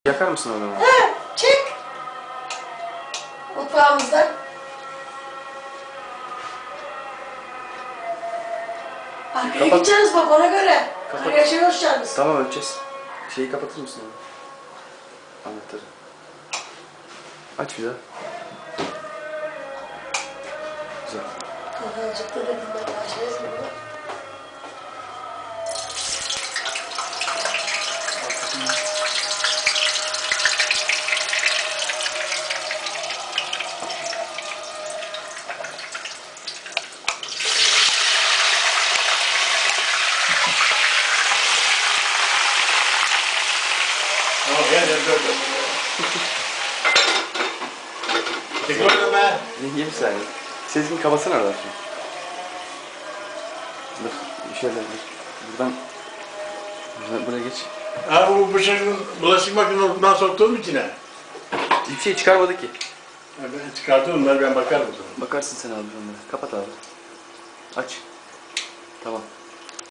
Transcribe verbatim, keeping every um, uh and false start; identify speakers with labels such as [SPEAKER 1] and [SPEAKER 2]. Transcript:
[SPEAKER 1] Yakar mısın onu?
[SPEAKER 2] Ha, çek. Mutfağımızdan. Arkaya
[SPEAKER 1] Kapat.
[SPEAKER 2] gideceğiz bak ona göre.
[SPEAKER 1] Kapat.
[SPEAKER 2] Arkaya şey hoşçakalınız.
[SPEAKER 1] Tamam öleceğiz. Şeyi kapatır mısın onu? Anahtarı. Aç bir daha. Güzel.
[SPEAKER 2] Kafancıkta da bilmem başlayız mı bunu?
[SPEAKER 3] Tamam gel gel gel gel. Çekil oradan be.
[SPEAKER 1] Yenge bir saniye. Sezgin kapatsana oradan şimdi. Dur. Şöyle dur. Buradan... Buradan buraya geç.
[SPEAKER 3] Ha bu bıçağın bulaşık makinesine soktuğum içine.
[SPEAKER 1] Hiçbir şey çıkarmadı ki.
[SPEAKER 3] Ha, ben çıkartıyorum bunları ben bakarım o zaman.
[SPEAKER 1] Bakarsın sen abi onlara. Kapat abi. Aç. Tamam.